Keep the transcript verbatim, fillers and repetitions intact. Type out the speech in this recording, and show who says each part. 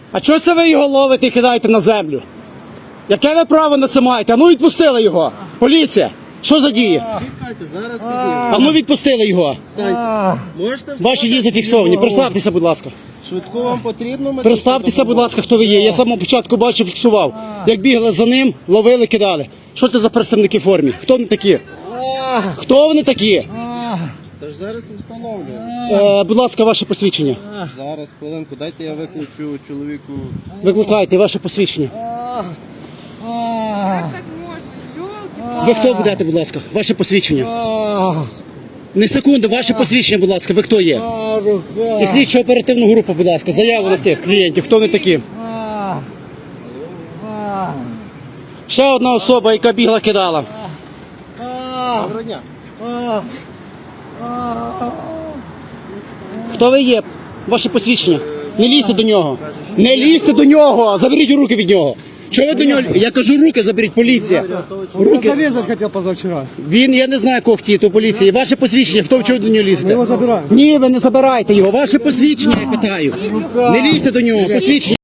Speaker 1: А чого це ви його ловите і кидаєте на землю? Яке ви право на це маєте? А ну відпустили його. Поліція. Що за дії?
Speaker 2: Чекайте, зараз підійду.
Speaker 1: А ну відпустили його.
Speaker 2: Встаньте. Можете встати?
Speaker 1: Ваші дії зафіксовані. Представтеся, будь ласка.
Speaker 2: Швидко вам потрібно? Ми
Speaker 1: Представтеся, будь ласка, хто ви є. Я з самого початку бачив, фіксував. Як бігли за ним, ловили, кидали. Що це за представники в формі? Хто вони такі? Хто вони такі?
Speaker 2: Та ж зараз встановлюємо.
Speaker 1: Е, будь ласка, ваше посвідчення.
Speaker 2: Зараз, хвилинку, дайте я виключу чоловіку.
Speaker 1: Викликайте ваше посвідчення.
Speaker 3: Как так можно? Ёлки-палки.
Speaker 1: Ви хто будете, будь ласка? Ваше посвідчення. Не секунду, ваше посвідчення, будь ласка, ви хто є? І слідчо оперативну групу, будь ласка, заяву на цих клієнтів, хто вони такі? Ще одна особа, яка бігла, кидала.
Speaker 2: Доброго дня.
Speaker 1: Хто ви є? Ваше посвідчення. Не лізьте до нього. Не лізьте до нього! Заберіть руки від нього. Чого ви до нього? Я кажу, руки заберіть, поліція. Руки.
Speaker 4: Зарезать хотел позавчера.
Speaker 1: Він, я не знаю, кого хотів, то поліція. Ваше посвідчення, хто в чого до нього лізете?
Speaker 4: Його забираємо.
Speaker 1: Ні, ви не забирайте його. Ваше посвідчення, я питаю. Не лізьте до нього, посвідчення.